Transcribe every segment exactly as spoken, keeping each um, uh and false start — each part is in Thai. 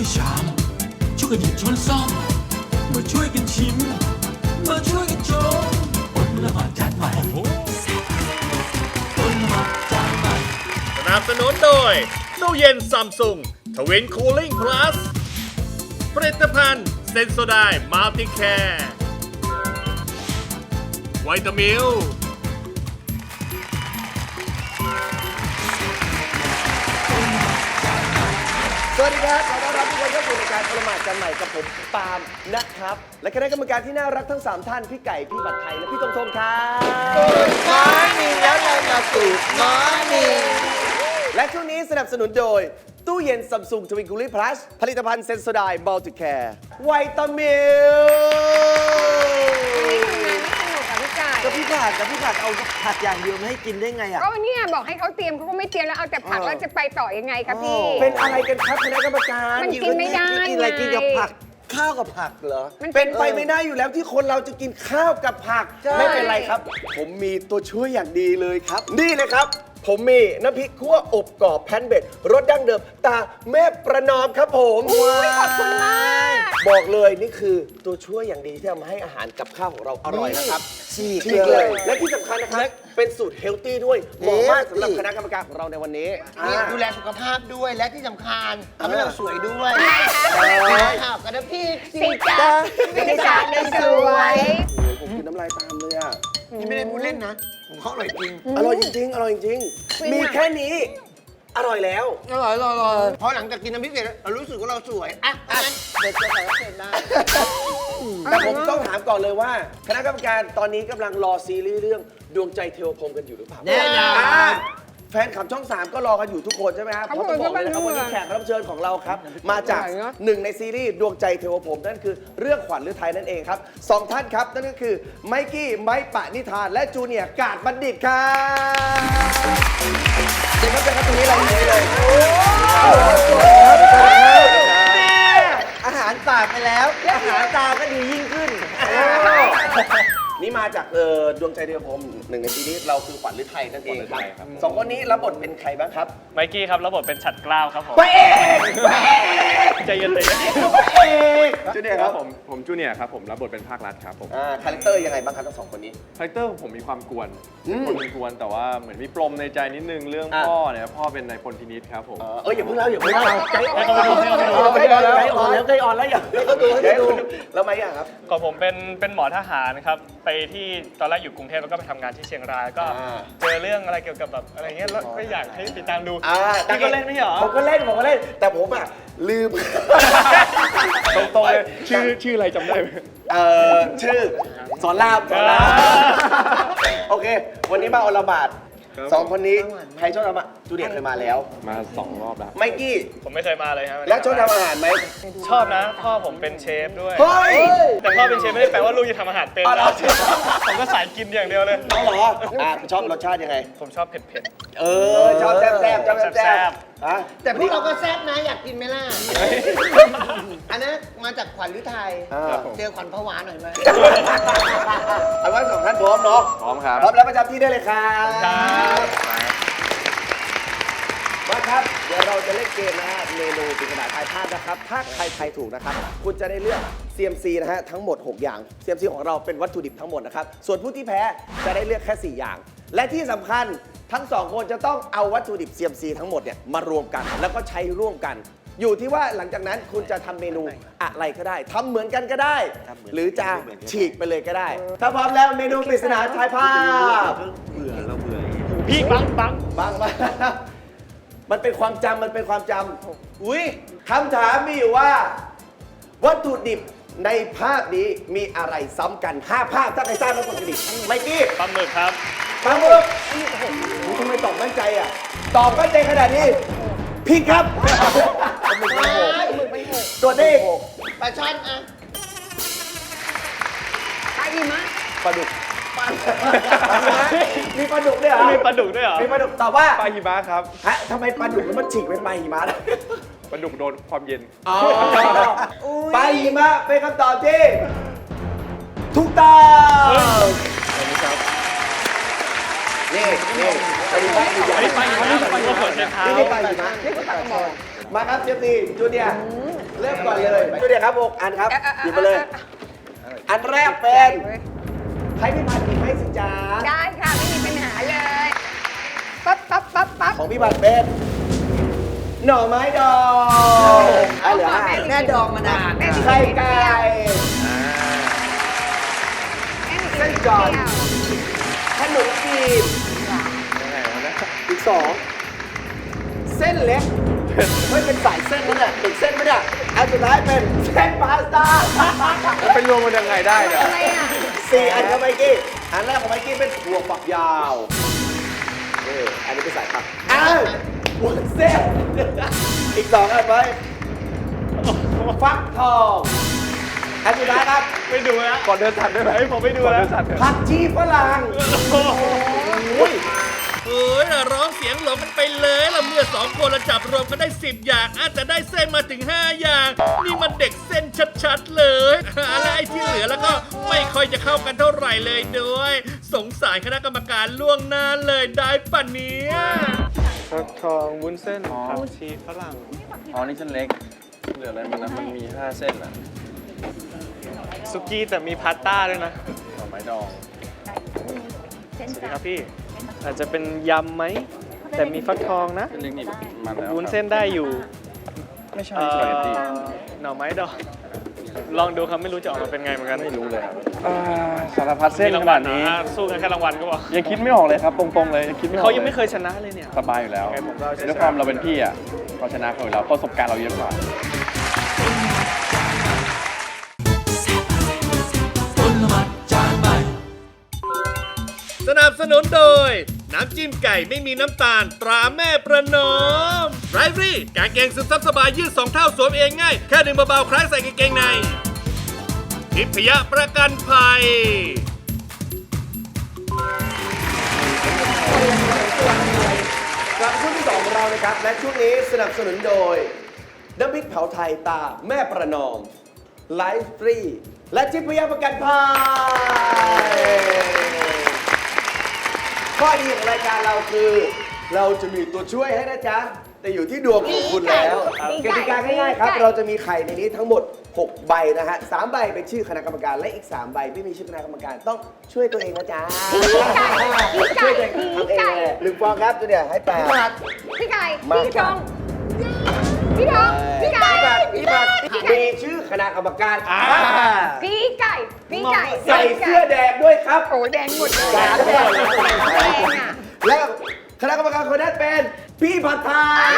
ชามช่วยกันหยิบช้อนซ่อมมาช่วยกันชิมมาช่วยกันชมอดละหมาดจานใหม่อดละหมาดจานใหม่สนับสนุนโดยตู้เย็นซัมซุงทวินคูลิ่งพลัสผลิตภัณฑ์เซนโซไดมัลติแคร์ไวตามิลสวัสดีครับขอต้อนรับทุกคนเข้าสู่รายการอลหมาดจานใหม่กับผมปาล์มนะครับและคณะกรรมการที่น่ารักทั้งสามท่านพี่ไก่พี่บัตรไทยและพี่ตรงทงครับมอร์นิ่งแล้วเรามาสู่มอร์นิ่งและช่วงนี้สนับสนุนโดยตู้เย็นซัมซุงทวินคูลิ่งพลัสผลิตภัณฑ์เซนโซไดมัลติแคร์ไวตามิลก็พี่ผัดกับพี่ผัดเอาผัดอย่างเดียวไม่ให้กินได้ไงอ่ะก็เนี่ยบอกให้เขาเตรียมเขาก็ไม่เตรียมแล้วเอาแต่ผักแล้วจะไปต่อยังไงครับพี่เป็นอะไรกันครับคณะกรรมการมันกินไม่ได้กินอะไรกินกับผักข้าวกับผักเหรอเป็นไปไม่ได้อยู่แล้วที่คนเราจะกินข้าวกับผักไม่เป็นไรครับผมมีตัวช่วยอย่างดีเลยครับนี่เลยครับผมมีน้ำพริกคั่วอบกรอบแพนเบ็ดรสดั้งเดิมตาแม่ประนอมครับผมขอบคุณมากบอกเลยนี่คือตัวช่วยอย่างดีที่ทำให้อาหารกับข้าวของเราอร่อยนะครับฉีกเลยและที่สำคัญนะครับเป็นสูตรเฮลตี้ด้วยเหมาะมากสำหรับคณะกรรมการของเราในวันนี้ดูแลสุขภาพด้วยและที่สำคัญทำให้เราสวยด้วยข่าวกับน้ำพริกสิจ้าสิจ้าในสวยผมกินน้ำลายตามเลยอ่ะนี่ไม่ได้พูดเล่นนะผมเขาอร่อยจริงอร่อยจริงอร่อยจริงมีแค่นี้อร่อยแล้วอร่อยอร่อยพอหลังจากกินน้ำพริกเสร็จเรารู้สึกว่าเราสวยอ่ะงั้นเด็กจะใส่เสร็จได้แต่ผมต้องถามก่อนเลยว่าคณะกรรมการตอนนี้กำลังรอซีรีส์เรื่องดวงใจเทวพรหมกันอยู่หรือเปล่าแน่นอนแฟนขับช่องสามก็รอกันอยู่ทุกคนใช่ไหมครับเพราะต้องบอกเลยนะครับวันนี้แขกรับเชิญของเราครับมาจากหนึ่งในซีรีส์ดวงใจเทวพรหมนั่นคือเรื่องขวัญฤทัยนั่นเองครับสองท่านครับนั่นก็คือไมกี้ไมค์ปะนิธานและจูเนียร์กาดบัณฑิตครับเดี๋ยวมาเจอกันตรงนี้เราเลยเลยอาหารตาไปแล้วอาหารตาก็ดียิ่งขึ้นนี่มาจากดวงใจเทวพรหมหนึ่งในซีรีส์เราคือขวัญฤทัยนั่นเองครับสองคนนี้รับบทเป็นใครบ้างครับไมกี้ครับรับบทเป็นฉัตรกล้าวครับผมไปเองใจเย็นใจเย็นไปเองจูเนียร์ครับผมผมจูเนียร์ครับผมรับบทเป็นภาครัฐครับผมคาแรคเตอร์ยังไงบ้างครับทั้งสองคนนี้คาแรคเตอร์ผมมีความกวนคนเป็นกวนแต่ว่าเหมือนมีปลมในใจนิดนึงเรื่องพ่อเนี่ยพ่อเป็นนายพลพินิจครับผมเอออย่าเพิ่งเล่าอย่าเพิ่งเล่าใจอ่อนใจอ่อนแล้วใจอ่อนแล้วใจอ่อนแล้วอย่าให้เขาดูให้ดูแล้วไหมอ่ะครับก่อนผมเป็นเป็นหมอทหารครับไปที่ตอนแรกอยู่กรุงเทพแล้วก็ไปทำงานที่เชียงรายก็เจอเรื่องอะไรเกี่ยวกับแบบอะไรเงี้ยแล้วไม่อยากให้ติดตามดูพี่ก็เล่นไม่เหรอผมก็เล่นผมก็เล่นแต่ผมอ่ะลืมตรงๆเลยชื่อชื่ออะไรจำได้ไหมเออชื่อสอนรามสอนรามโอเควันนี้มาอลหมาดสองคนนี้ใครชอบทำอ่ะจูเนียร์เคยมาแล้วมาสองรอบแล้วไมกี้ผมไม่เคยมาเลยครับแล้วชอบทำอาหารไหมชอบนะพ่อผมเป็นเชฟด้วยแต่พ่อเป็นเชฟไม่ได้แปลว่าลูกจะทำอาหารเป็นนะผมก็สายกินอย่างเดียวเลยอ๋อเหรออ่ะชอบรสชาติยังไงผมชอบเผ็ดๆเออชอบแซ่บๆชอบแซ่บๆแต่พวกเราก็แซ่บนะอยากกินไหมล่ะอันนั้นมาจากขวัญฤทัยเจอขวัญผวาหน่อยไหมเอาว่าสองท่านพร้อมเนาะพร้อมครับพร้อมแล้วประจำที่ได้เลยครับมาครับเดี๋ยวเราจะเล่นเกมนะฮะเมนูปริศนาทายภาพนะครับถ้าใครทายถูกนะครับคุณจะได้เลือก ซี เอ็ม ซี นะฮะทั้งหมดหกอย่าง ซี เอ็ม ซี ของเราเป็นวัตถุดิบทั้งหมดนะครับส่วนผู้ที่แพ้จะได้เลือกแค่สี่อย่างและที่สำคัญทั้งสองคนจะต้องเอาวัตถุดิบ ซี เอ็ม ซี ทั้งหมดเนี่ยมารวมกันแล้วก็ใช้ร่วมกันอยู่ที่ว่าหลังจากนั้นคุณจะทำเมนูอะไรก็ได้ทำเหมือนกันก็ได้หรือจะฉีกไปเลยก็ได้ถ้าพร้อมแล้วเมนูปริศนาทายภาพเบื่อแล้วเบื่อพี่บังบังบังมามันเป็นความจำมันเป็นความจำอุ้ยคำถามมีอยู่ว่าวัตถุดิบในภาพนี้มีอะไรซ้ำกันห้าภาพถ้าใครทราบแล้วกดกระดิ่งไมกี้ปลาหมึกครับปลาหมึกทำไมตอบมั่นใจอ่ะตอบมั่นใจขนาดนี้ผิดครับปลาหมึกไม่หกตัวนี้ปลาช่อนอ่ะปลาอีมะปลาดุกมีปลาดุกด้วยเหรอมีปลาดุกด้วยเหรอมีปลาดุกตอบว่าปลาหิมะครับฮะทำไมปลาดุกมันฉีกเป็นปลาหิมะล่ะปลาดุกโดนความเย็นอ๋อปลาหิมะเป็นคำตอบที่ถูกต้องนี่นี่ปลาหิมะอยู่อย่างนี้ปลาหิมะปลาหิมะเปิดเชฟเท้านี่ปลาหิมะนี่ปลาหิมะมาครับเชฟตีจูเนียร์เริ่มก่อนเลยดูเดี๋ยวครับหกอันครับเออเออเออหยิบมาเลย อันแรกเป็น ให้พี่พันธ์หยิบให้สิจ้าได้ค่ะ ไม่มีปัญหาเลยปั๊บปั๊บปั๊บปั๊บของพี่พันธ์เป็นหน่อไม้ดองอ่ะเหลือห้าแม่ดองมานานแม่มีไข่ไก่แม่มีเส้นจอน ขนมจีนอีกสองเส้นเล็กไม่เป็นสายเส้นนั่นแหละติดเส้นไม่ได้อันสุดท้ายเป็นเส้นพาสต้ามันเป็นรวมมันยังไงได้เนี่ยอะไรอ่ะสี่อันของไมกี้อันแรกของไมกี้เป็นถั่วฝักยาวเอออันนี้เป็นสายผักอ้าวหัวเส้นอีกสองอันไว้ฟักทองอันสุดท้ายครับไม่ดูนะก่อนเดินสัตว์ได้ไหมผมไม่ดูก่อนนะเดินสัตว์เถอะผักชีฝรั่งโอ้ยเอ้ยร้องเสียงหลงกันไปเลยละเมื่อสองคนละจับรวมกันได้สิบอย่างอาจจะได้เส้นมาถึงห้าอย่าง นี่มันเด็กเส้นชัดๆเลยและไอ้ที่เหลือแล้วก็ไม่ค่อยจะเข้ากันเท่าไหร่เลยด้วย สงสารคณะกรรมการล่วงหน้าเลยได้ปะเนี้ยฟักทองวุ้นเส้นผักชีฝรั่งอ๋อ นี่เส้นเล็ก เหลืออะไรมันนะมันมีห้าเส้นอ่ะซุกี้แต่มีพาสต้าด้วยนะหน่อไม้ดองสวัสดีครับพี่ อาจจะเป็นยำไหม แต่มีฟักทองนะเส้นเล็กนี่มันแล้ววุ้นเส้นได้อยู่ไม่ใช่เอ่สปาเกตตี้อหน่อไม้ดองลองดูครับไม่รู้จะออกมาเป็นไงเหมือนกันไม่รู้เลยครับอ่าสารพัดเส้นมีขรางวันาลดนี้อ่ะสู้กันแค่รางวัลก็พอยังคิดไม่ออกเลยครับ ตรงๆเลยยังคิดไม่ออกเขายังไม่ลเคยชนะเลยเนี่ยสบายอยู่แล้วโอเคผมก็เอาชัยชนะด้วยความเราเป็นพี่อ่ะเราชนะเขาอยู่แล้วประสบการณ์เราเยอะกว่าคนละหมัดจานใหม่สนับสนุนโดย น้ำจิ้มไก่ไม่มีน้ำตาลตราแม่ประนอมไรฟรี่กางเกงซึมซับสบายยืดสองเท่าสวมเองง่าย แค่ดึงเบาๆคล้ายใส่กางเกงในทิพยประกันภัยกลับมาช่วงที่สองของเรานะครับ และช่วงนี้สนับสนุนโดยน้ำพริกเผาไทยตาแม่ประนอมไลฟ์ฟรีและจิพยาประกันภัยข้อดีของรายการเราคือ เราจะมีตัวช่วยให้นะจ๊ะ แต่อยู่ที่ดวงของคุณแล้วกติกาง่ายๆครับ เราจะมีไข่ในนี้ทั้งหมดหกใบนะฮะสามใบเป็นชื่อคณะกรรมการและอีกสามใบไม่มีชื่อคณะกรรมการต้องช่วยตัวเองนะจ๊ะช่วยตัวเองทำเองเลยหนึ่งฟองครับตัวเนี่ยให้แปดพี่ไก่มาพี่ทองพี่ทองพี่ไก่พี่บัตรพี่บัตรมีชื่อคณะกรรมการพี่ไก่พี่ไก่ใส่เสื้อแดงด้วยครับโอ้แดงหมดเลยแดงแดงอ่ะแล้วคณะกรรมการคนนั้นเป็นพี่ผัดไทย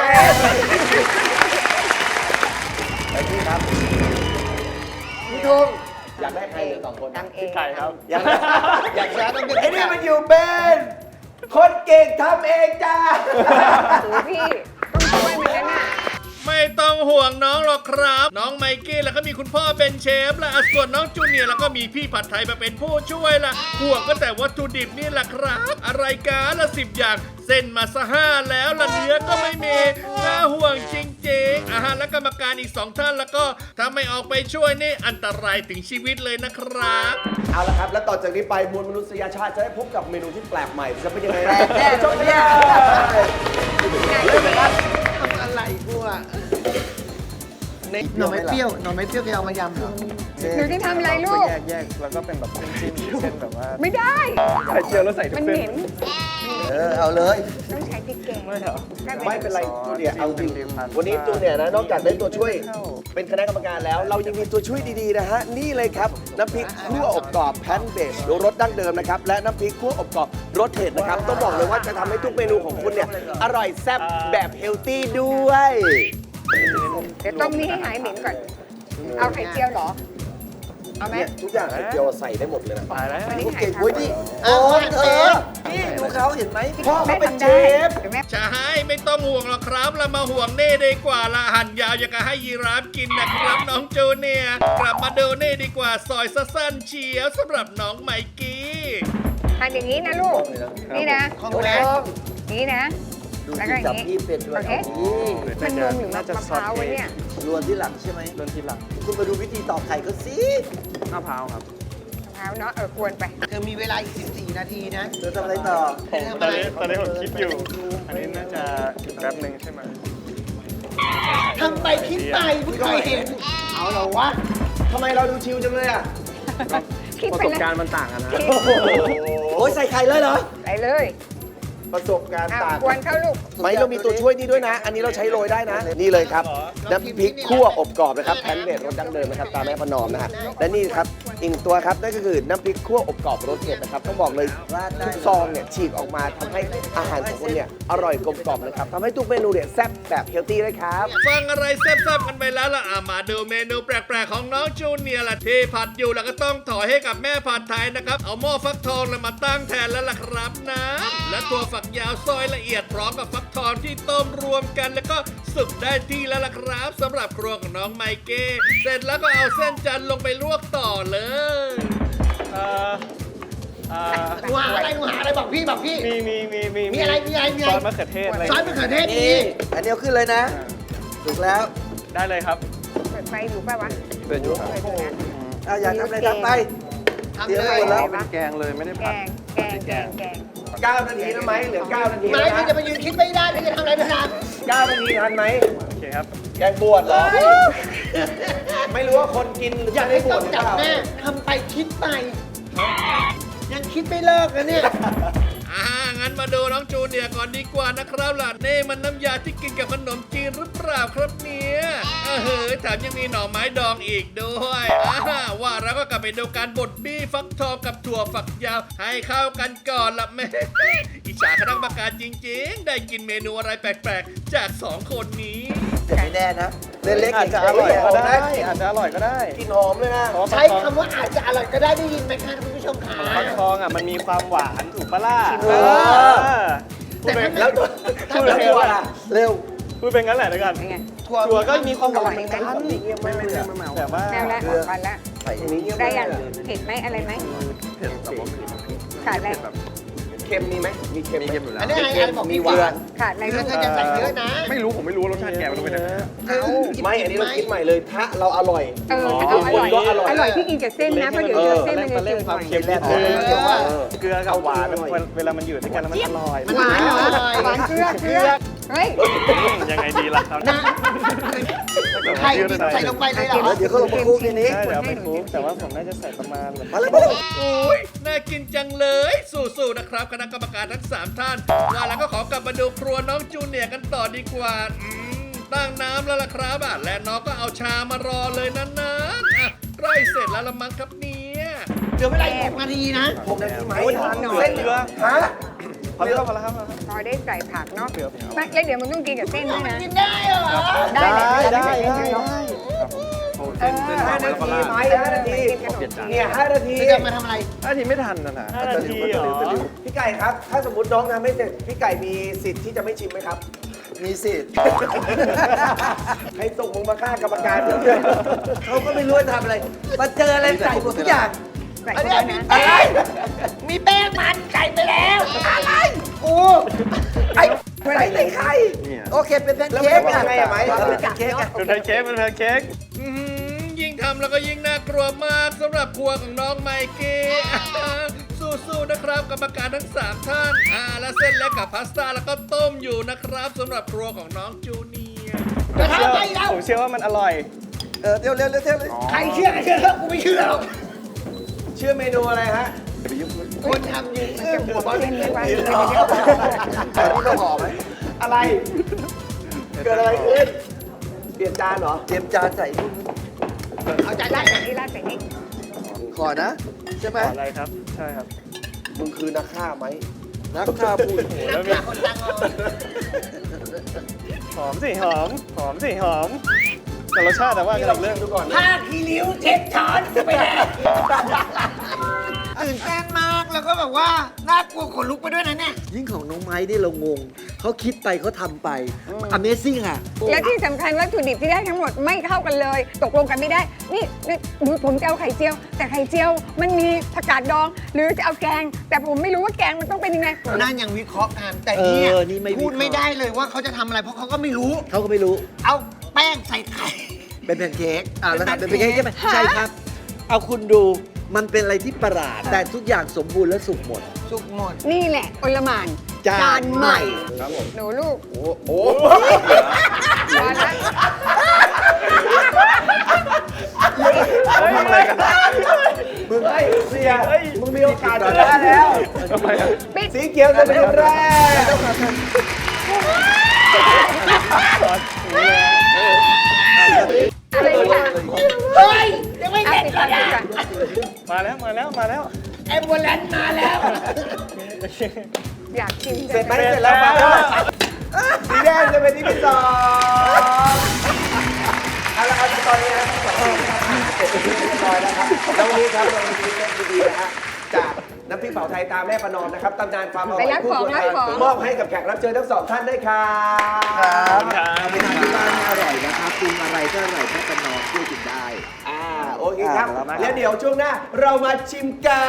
ไปพี่ครับพี่ทุ่งอยากได้ใครหรือสองคนตังเองไก่ครับอยากได้อยากชนะต้องเป็นไอ้นี่มันอยู่เป็นคนเก่งทำเองจ้าโอ้พี่ต้องช่วยมันแล้วน่ะไม่ต้องห่วงน้องหรอกครับ น้องไมกี้แล้วก็มีคุณพ่อเป็นเชฟและส่วนน้องจูเนียร์แล้วก็มีพี่ผัดไทยมาเป็นผู้ช่วยละห่วงก็แต่วัตถุดิบนี่แหละครับ อะไรกันละสิบอย่างเส้นมาซะห้าแล้วละเนื้อก็ไม่มีน่าห่วงจริงๆอาหารและกรรมการอีกสองท่านแล้วก็ถ้าไม่ออกไปช่วยนี่อันตรายถึงชีวิตเลยนะครับเอาละครับ แล้วต่อจากนี้ไปมวลมนุษยชาติจะได้พบกับเมนูที่แปลกใหม่จะเป็นยังไงแปลกแน่ชมกันเลยเริ่มเลยครับทำอะไรกูอ่ะหน่อไม้เปรี้ยวหน่อไม้เปรี้ยวแกเอามายำเหรอหนูจะทำอะไรลูกแยกแยกแล้วก็เป็นแบบจิ้มๆเส้นแบบว่าไม่ได้ไข่เจียวแล้วใส่ทุมักนเส้เหนม็นเออ เอาเลยต้องใช้พริกแกงไม่เหรอไม่เป็นไรจูเนียร์เอาจริงจิ้มๆวันนี้จูเนียร์นะนอกจากได้ตัวช่วยเป็นคณะกรรมการแล้ว เรายังมีตัวช่วยดีๆนะฮะนี่เลยครับน้ำพริกคั่วอบกรอบแพนเบสรสดั้งเดิมนะครับและน้ำพริกคั่วอบกรอบรสเผ็ดนะครับต้องบอกเลยว่าจะทำให้ทุกเมนูของคุณเนี่ยอร่อยแซ่บแบบเฮลตี้ด้วยเดี๋ยวต้มนี้ให้หายเหม็นก่อน เอาไข่เจียวเหรอ เอาไหมเนี่ยทุกอย่างไข่เจียวใส่ได้หมดเลยนะตายแล้ววันนี้ไข่เก่งทำเว้ยนี่โอ้โอ้ยยเอเอออนี่ดูเขาเห็นไหมพ่อเขาเป็นเชฟเดี๋ยวแม่ใช่ไม่ต้องห่วงหรอกครับเรามาห่วงเน่ดีกว่าละหั่นยาวอย่างกับให้ยีราฟกินนะครับน้องจูเนียร์กลับมาดูเน่ดีกว่าซอยสั้นๆเฉียวสำหรับน้องไมกี้ทานอย่างนี้นะลูก นี่นะของดูแรนะงนี่นะดูแล้วก็ที่อจัย่าบงนี้พี่เป็นด้วโอย เค มันนมหรือมะพร้าววะเนี่ยรวนที่หลังใช่ไหมเริ่มทีหลังคุณมาดูวิธีตอกไข่ก็สิมะพร้าวครับมะพร้าวเนาะ เออกวนไปเธอมีเวลาอีกสิบสี่นาทีนะเธอทำอะไรต่อผมตอนนี้ตอนนี้ผมคิดอยู่ อันนี้น่าจะอีกแป๊บหนึ่งใช่ไหมทำไปคิดไปเพิ่งเคยเห็น เอาเหรอวะทำไมเราดูชิลจังเลยอ่ะคิดประไปสบเลยการณ์มันต่างกันนะคิดโอ้ยใส่ไข่เลยเหรอไปเลยประสบการณ์อ้าวต่างกวนเข้าลูกไม่เรามีตัวช่วยนี่ด้วยนะ อันนี้เราใช้โรยได้นะ นี่เลยครับ น้ำพริกคั่วอบกรอบนะครับแพนเบดรสดั้งเดิมนะครับตามแม่ประนอมนะฮะและนี่ครับอีกตัวครับนั่นก็คือน้ำพริกคั่วอบกรอบรสเผ็ดนะครับต้องบอกเลยทุกซองเนี่ยฉีกออกมาทำให้อาหารของคุณเนี่ยอร่อยกลมกล่อมนะครับทำให้ทุกเมนูเนี่ยแซ่บแบบเฮลตี้เลยครับฟังอะไรแซ่บๆกันไปแล้วล่ะอ่ะมาดูเมนูแปลกๆของน้องจูเนียร์ล่ะที่ผัดอยู่แล้วก็ต้องถอยให้กับแม่ผัดไทยนะครับเอาหม้อฟักทองเลยมาตั้งแทนแล้วล่ะครับนะและตัวฝักยาวซอยละเอียดพร้อมกับฟักทองที่ต้มรวมกันแล้วก็สุกได้ที่แล้วล่ะครับสำหรับครัวของน้องไมเก้เสร็จแล้วก็เอาเส้นจันทร์ลงไปลวกต่อเลยเอ่อเอ่อหนูหาอะไรหนูหาอะไรบอกพี่บอกพี่มีมีมีมีมีอะไรมีอะไรมีซอะไรอสมะเขือเทศอะไรซอสมะเขือเทศมีอันเดียวขึ้นเลยนะถูกแล้วได้เลยครับเปิดไฟอยู่ป่าวะเปิดอยู่ครับเปิดอยู่นะเอาอยากทำอะไรทำไปทำเดี๋ยวเลไปยหมดแล้วเป็นแกงเลยไม่ได้แกผัดงแกงแกงแกงเก้านาทีนะไหมเหลือเก้านาทีไม่แล้วพี่นะจะมายืนคิดไม่ได้พี่จะทำอะไรพี่ทเก้านาทีทันไหมโอเคครับแกงบวชเหรอ ไม่รู้ว่าคนกินหรือำอย่าไม่ให้ได้บต้วอชงหรือจับเปล่าแม่ทำไปคิดไป ยังคิดไม่เลิกนะเนี่ยอ่างั้นมาดูน้องจูเนียร์ก่อนดีกว่านะครับล่ะนี่มันน้ำยาที่กินกับขนมจีนหรือเปล่าครับเนี่ยเออเฮ้ยแถมยังมีหน่อไม้ดองอีกด้วยอ่าว่าแล้วก็กลับไปดูการบดบี้ฟักทองกับถั่วฝักยาวให้เข้ากันก่อนละแม่ อิจฉาคณะกรรมการจริงๆ ได้กินเมนูอะไรแปลกๆ จากสองคนนี้แต่ไม่แน่นะเล่นเล็กอาจจะอร่อยก็ได้อาจจะอร่อยก็ได้กินหอมเลยนะเพราะว่าใช้คำว่าอาจจะอร่อยก็ได้ได้ยินไหมคะคุณผู้ชมขาฟักทองอ่ะมันมีความหวานถูกปะล่ะเออแต่ถ้าแล้วตัวถ้าแล้วไม่ตัวล่ะเร็วพูดเป็นงั้นแหละเดี๋ยวกันเป็นไงถั่วถั่วก็มีความหวานอร่อยไหมไม่ไม่ไม่ไม่แต่ว่าแนวแล้วก่อนแล้วใส่อย่างนี้เงียบได้ยังเผ็ดไหมอะไรไหมเผ็ดแต่ว่าไม่ขาดอะไรแบบเค็มมีไหมมีเค็มมีไหมเค็มอยู่แล้วอันนี้อะไรอะไรบอกมีมีหวานขาดอะไรเธลูอก เธอจะใส่เยอะนะไม่รู้ผมไม่รู้ว่ารสชาติแกมันต้องเป็นยังไงเธอไม่อันนี้เราคิดใหม่เลย ถ้าเราอร่อยเออเอาอร่อยก็อร่อยอร่อยที่กินกับเส้นนะเพราะเดี๋ยวเดี๋ยวเส้นมันจะเล่จืนดหควาน่มอยเค็มนิดเอนึงอแต่ว่าเออเกลือกับหวานเวลามันอยู่ด้วยกันแล้วมันอร่อยหวานเหรอหวานเกลือเกลือเฮ้ยยังไงดีล่ะครับนะไข่ดิบใส่ลงไปเลยเหรอเดี๋ยวเขาลงมาคลุกทีนี้ใช่เดี๋ยวเอาไปคลุกแต่ว่าผมน่าจะใส่ประมาณแบบมาเลยมาเลยโอ้ยน่ากินจังเลย สู้ๆ นะครับคณะกรรมการทั้งสามท่าน ว่าแล้วก็ขอกลับมาดูครัวน้องจูเนียร์กันต่อดีกว่าอืมตั้งน้ำแล้วล่ะครับอ่ะและน้องก็เอาชามารอเลยนั้นๆอ่ะใกล้เสร็จแล้วละมั้งครับเนี่ยเหลือเวลาอีกหกนาทีนะผมนาทีไหมโอ้ยเส้นเกลือฮะพอแล้วพอแล้วครับพอได้ใส่ผักเนาะไม่แล้วเดี๋ยวมันต้องกินกับเส้นด้วยนะกินได้เหรอได้เลยได้ได้ได้เนาะโอ้เส้นเส้นห้าหอมนาแล้วก็ทีราดไหมห้านาทีเปลี่ยนจานเนี่ยห้านาทีเธอจะมาทำอะไรห้านาทีไม่ทันนะนะห้านาทีเหรอพี่ไก่ครับ ถ้าสมมติน้องทำไม่เสร็จ พี่ไก่มีสิทธิ์ที่จะไม่ชิมไหมครับ มีสิทธิ์ ให้ส่งมึงมาฆ่ากรรมการเดี๋ยวเขาก็ไม่รู้จะทำอะไร มาเจออะไรใส่หมดทุกอย่างใส่เข้าไปนะอะไรมีแป้งมันใส่ไปแล้วอะไรกูไอ้ใส่ในไข่เนี่ยโอเคเป็นแพนเค้กอะไงไหมเป็นแพนเค้กอะเป็นแพนเค้กเป็นแพนเค้กอื้อหือยิ่งทำแล้วก็ยิ่งน่ากลัวมากสำหรับครัวของน้องไมเก้ สู้ๆนะครับกรรมการทั้งสามท่านอ่าและเส้นเล็กกับพาสต้าแล้วก็ต้มอยู่นะครับสำหรับครัวของน้องจูเนียร์จะทำไปแล้วผมเชื่อว่ามันอร่อยเออเร็วเร็วเร็วเร็วเลยใครเชื่อใครเชื่อแล้วกูไม่เชื่อหรอกชื่อเมนูอะไรฮะคนทำยืนจะบวกเส้นไม่ไหวอันนี้ต้องหอมไหมอะไร เกิดอะไรขึ้น เปลี่ยนจานเหรอ เตรียมจานใส่เอาใจราได้ดใส่นี่ราดใส่นี่ขอนะ ใช่ไหมอะไรครับ ใช่ครับมึงคือนักฆ่าไหม นักฆ่าพูดนักข่าวคนดังเอาหอมสิหอม หอมสิหอม แต่รสชาติแต่ว่านี่กันเราอีกเริ่เรื่องมดูก่อนผ้าคีริ้วเช็ดช้อนไปแล้วตื่นเต้นมากแล้วก็แบบว่าน่ากลัวขนลุกไปด้วยนะเนี่ยยิ่งของน้องไม้นี่เรางง เขาคิดไปเขาทำไป Amazing อ่ะและที่สำคัญวัตถุดิบที่ได้ทั้งหมดไม่เข้ากันเลย ตกลงกันไม่ได้ นี่นี่ดูผมจะเอาไข่เจียว แต่ไข่เจียวมันมีผักกาดดอง หรือจะเอาแกง แต่ผมไม่รู้ว่าแกงมันต้องเป็นยังไงนั่นยังวิเคราะห์กันแต่เนี่ยเออนี่ไม่วิเคราะห์พูดไม่ได้เลยว่าเขาจะทำอะไรเพราะเขาก็ไม่รู้เขาก็ไม่รู้เอาแป้งใส่ไข่เป็นแพนเค้กอ่าแล้วทำเป็เป็นนแพแพนนเค้เค้กกใช่ไหมใช่ครับ เอาคุณดู มันเป็นอะไรที่ประหลาด แต่ทุกอย่างสมบูรณ์และสุกหมดสุกหมดนี่แหละโอลหมานจานใหม่หนูลูกโอ้โหมาแล้วทำอะไรกันมึงไอ้เสียมึงมีโอกาสชนะแล้วทำไมอะปิดสีเขียวจะเป็นคนแรกอะไรเนี่ยเฮ้ย ยังไม่เอาเสร็จปิดเลก่อนยปิดอ่ะก่อนมาแล้วมาแล้วมาแล้วแอมบูเลนซ์มาแล้วอยากชิมเสร็จไหมเสร็จแล้วป่ะสีแดงจะเป็นที่ที่สองเอาละครับตอนนี้นะทั้งสองทีมเสร็จเป็นที่เรียบร้อยแล้วครับแล้ววันนี้ครับเรามีเซตดีๆนะฮะจากน้ำพริกเผาไทยตามแม่ประนอมนะครับตำนานความอร่อยคู่ครัวไทยมอบให้กับแขกรับเชิญทั้งสองท่านด้วยครับเอาไปทานที่บ้านให้อร่อยนะครับปรุงอะไรก็อร่อยแค่ประนอมช่วยกินได้อ่าโอเคครับอ่าแล้วมาแล้วเดี๋ยวช่วงหน้าเรามาชิมกัน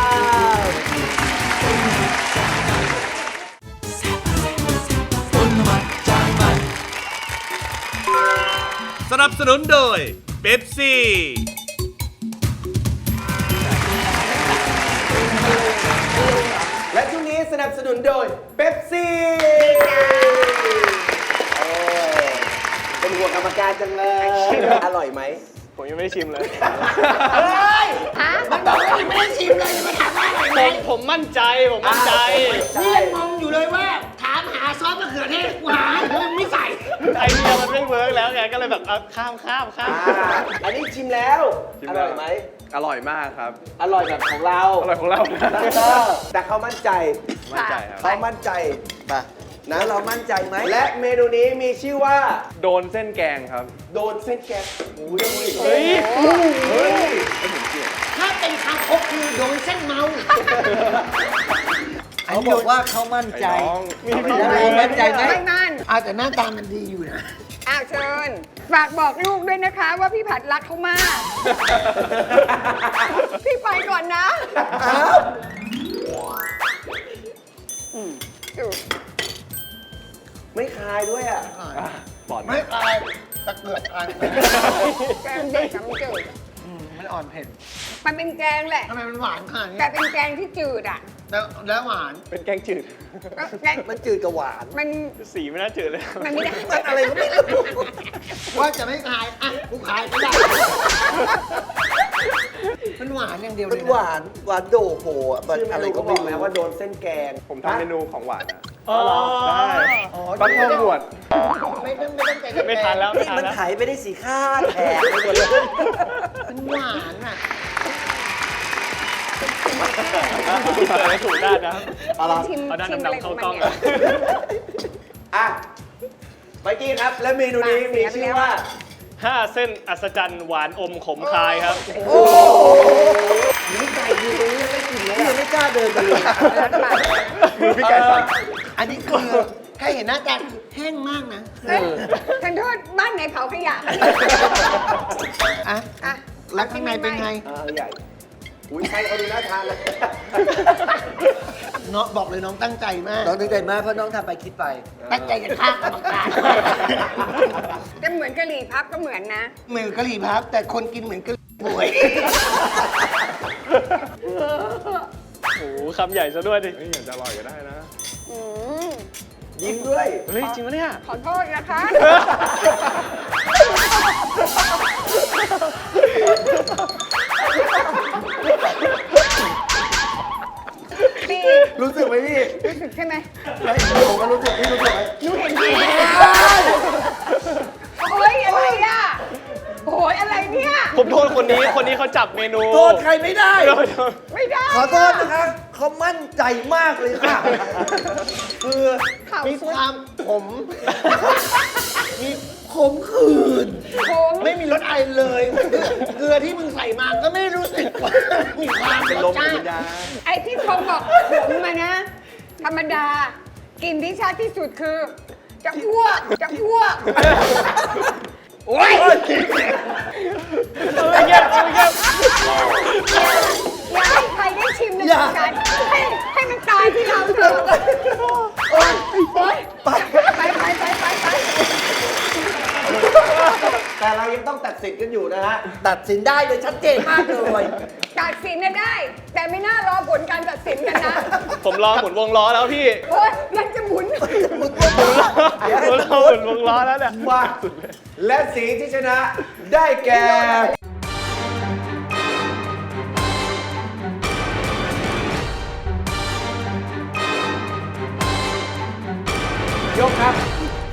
สนับสนุนโดยเบปซี่และช่วงนี้สนับสนุนโดยเป๊ปซี่เป็นห่วงกรรมการจังเลย อร่อยไหมผมยังไม่ได้ชิมเลยฮะมันบอกว่ายังไม่ได้ชิมเลยจะมาถามว่าอร่อยไหผม มผมมั่นใจผมมั่นใจนี่ยังงงอยู่เลยว่า ถามหาซอสมะเขือเทศกูหาแล้วยังไม่ใส่ไอเดียมันไม่เวิร์กแล้วไงก็เลยแบบเอาข้ามข้ามข้ามอ่าอันนี้ชิมแล้วชิมอแล้วร่อยไหมอร่อยมากครับอร่อยแบบของเราอร่อยของเรานะเออแต่เขามั่นใจมั่นใจครับเขามั่นใจนะเรามั่นใจไหม และเมนูนี้มีชื่อว่าโดนเส้นแกงครับโดนเส้นแกงโอ้ยเฮ้ยเฮ้ยถ้าเป็นคางคกคือโดนเส้นเมาเขาบอกว่าเขามั่นใจไอ้น้องแล้วเรามั่นใจไหมไม่มั่นอาแต่หน้าตามันดีอยู่นะอ้าวเชิญ ฝากบอกลูกด้วยนะคะ ว่าพี่ผัดรักเขามาก พี่ไปก่อนนะอืมดูไม่คายด้วยอ่ะปลอดไม่คลายตะเกียบคลายแกงเด็กกับมันจืดมันอ่อนเผ็ดมันเป็นแกงแหละทำไมมันหวานขนาดนี้แต่เป็นแกงที่จืดอ่ะแล้วแล้วหวานเป็นแกงจืดก็แกงมันจืดกับหวานมันสีไม่น่าจืดเลยมันไม่ได้มันอะไรก็ไม่รู้ว่าจะไม่คลาย อ่ะ กูคลายก็ได้ มันหวานอย่างเดียวเลมันยหนะวานหวานโดโผอ่ะมันชื่อเมอะไรนูก็ก็บไม่อกแล้วรู้ว่าโดนเส้นแกงผมทำเมนูของหวานนะอ๋อได้อ๋อบัตเตอร์บวดไม่ต้องไม่ต้องใจไม่ทานแล้วไม่นี่ทานมันแล้วไถไปได้สีข้าแถกไปหมดเลยมันหวานอ่ะเปิดให้ถูกด้านนะชิมเอาด้านชิมอะไรดำๆขอเข้างมันกล้องเนี่เลย ยอ่ะไปกี้ครับ และเมนูนี้มีชื่อว่าห้าเส้นอัศจรรย์หวานอมขมคายครับนี่ไก่อยู่ตรงนี้ไม่กินเลยนี่ยังไม่กล้าเดินไปเลยแล้วปากมือพี่ไก่สั่นอันนี้คือให้เห็นหน้าตาแห้งมากนะเอ้ยฉันโทษบ้านไหนเผาขยะอ่ะอ่ะแล้วข้างในเป็นไงอ่าใหญ่ อุ้ยใครเขาดูน่าทานเลยเนาะบอกเลยน้องตั้งใจมากน้องนึกใจมากเพราะน้องทำไปคิดไปตั้งใจจะฆ่ากรรมการแต่เหมือนกะหรี่พับก็เหมือนนะเหมือนกะหรี่พับแต่คนกินเหมือนกะหรี่ป่วยโอ้โหคำใหญ่ซะด้วยดิเฮ้ยอยากจะอร่อยก็ได้นะอืมยิ้มด้วยเฮ้ย จริงปะเนี่ยขอโทษนะคะ พี่รู้สึกไหมพี่รู้สึกใช่ไหมไม่ผมก็รู้สึกพี่รู้สึกไหมหนูเห็นพี่โอ้ยอะไรอ่ะโอ้ยอะไรเนี่ยผมโทษคนนี้ คนนี้เขาจับเมนูโทษใครไม่ได้โทษโทษไม่ได้ขอโทษนะคะเขามั่นใจมากเลยค่ะ คือเข่ามีสุดความขม มีขมขื่นโค้งไม่มีรสอะไรเลย เกลือที่มึงใส่มาก็ไม่รู้สึกว่ามีความเป็นรลสมชาเป็นติยาไอ้ที่เขาบอกขมมานะ ธรรมดา กินที่ชัดที่สุดคือ จะอ้วก จะอ้วก โอ้ยเอาเงียบเอาเงียบอย่าให้ใครได้ชิมในรายการให้ให้มันตายที่เราเถอะโอ๊ยโอ๊ยไปไปไปไปไปแต่หลังยังต้องตัดสินกันอยู่นะฮะ ตัดสินได้เลยชัดเจนมากเลยตัดสินเนี่ยได้ แต่ไม่น่ารอผลการตัดสินกันนะผมรอหมุนวงล้อแล้วพี่โอ้ยยังจะหมุนผมรอหมุนวงล้อแล้วเนี่ยมาและสีที่ชนะได้แก่ ยกครับ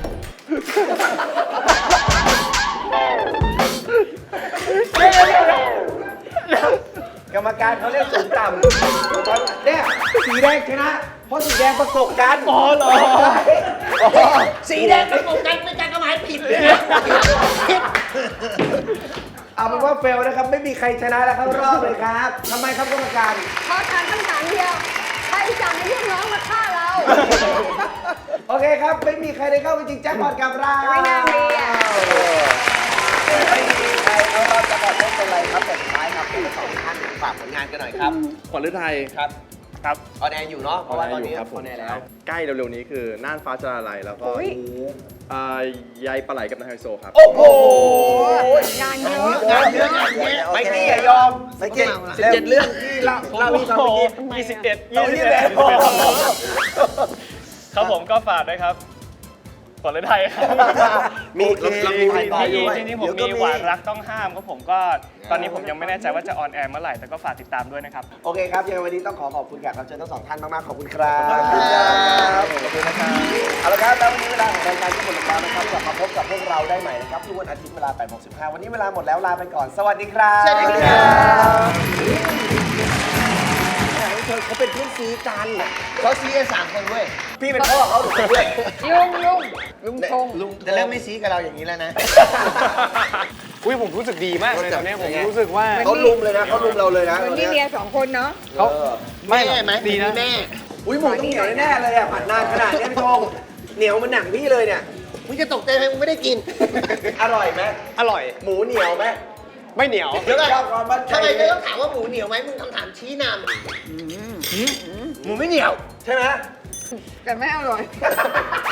กรรมการเขาเรียกสูงต่ำเนี่ยสีแดงชนะ เพราะสีแดงประกบกันอ๋อเหรอสีแดงประกบกันเป็นการกระหมายผิดเลยเอาเป็นว่าเฟลนะครับ ไม่มีใครชนะแล้วเข้ารอบเลยครับทำไมครับกรรมการขอถามคำถามเดียว ใครสั่งให้ลูกน้องมาฆ่าเราโอเคครับ ไม่มีใครได้เข้าไปจริงแจ็คพอตกับเราไม่น่ามีอ่ะไม่มีใครเอาเราจะบอกว่าเป็นไรครับแต่สุดท้ายครับทั้งสองท่านฝากผลงานกันหน่อยครับขวัญฤทัยครับครับออนแอร์อยู่เนาะเพราะว่าตอนนี้ครับอผมอนแอร์แล้วใกล้เร็วๆนี้คือน่านฟ้าจะละลายแล้วก็อุ๊ยอ่าใยปลาไหลกับนายไฮโซครับโอ้โหงานเยอะงานเยอะงานเยอะไม่กี้อย่ายอมไม่กี้สิบเจ็ดเรื่องที่เราเราพี่ฟังเมื่อกี้ยี่สิบเอ็ดเอายี่ยี่สิบสิบเอ็เอ็ดดโอ้โหครับผมก็ฝากด้วยครับขวัญฤทัยครับมีเรามีถ่ายต่ออยู่จริงๆผมมีหวานรักต้องห้ามครับผมก็ตอนนี้ผมยังไม่แน่ใจว่าจะออนแอร์เมื่อไหร่แต่ก็ฝากติดตามด้วยนะครับโอเคครับยังไงวันนี้ต้องขอขอบคุณแขกรับเชิญทั้งสองท่านมากๆขอบคุณครับขอบคุณครับขอบคุณนะครับเอาละครับแล้ววันนี้เวลาของรายการที่หมดลงแล้วนะครับกลับมาพบกับพวกเราได้ใหม่นะครับทุกวันอาทิตย์เวลาแปดโมงสิบห้าวันนี้เวลาหมดแล้วลาไปก่อนสวัสดีครับสวัสดีครับเขาเป็นเพื่อนซีกันเขาซีกันสามคนเว้ยพี่เป็นพ่อเขาหรือเป็นเพื่อนลุงลุงลุงทงลุงจะเริ่มไม่ซีกับเราอย่างนี้แล้วนะอุ้ยผมรู้สึกดีมากเลยตอนนี้ผมรู้สึกว่าเขาลุมเลยนะเขาลุมเราเลยนะเหมือนมีเมียสองคนเนาะเขาแม่ไหมดีนะแม่อุ้ยหมูต้องเหนียวแน่ๆเลยอ่ะผัดนานขนาดนี้พี่ธงเหนียวมันหนังพี่เลยเนี่ยมึงจะตกใจไหมมึงไม่ได้กินอร่อยไหมอร่อยหมูเหนียวไหมไม่เหนียวเดี๋ยวก่อนชอบความมั่นใจทำไมไม่ต้องถามว่าหมูเหนียวไหมมึงคำถามชี้นำหมูไม่เหนียวใช่ไหมแต่ไม่อร่อย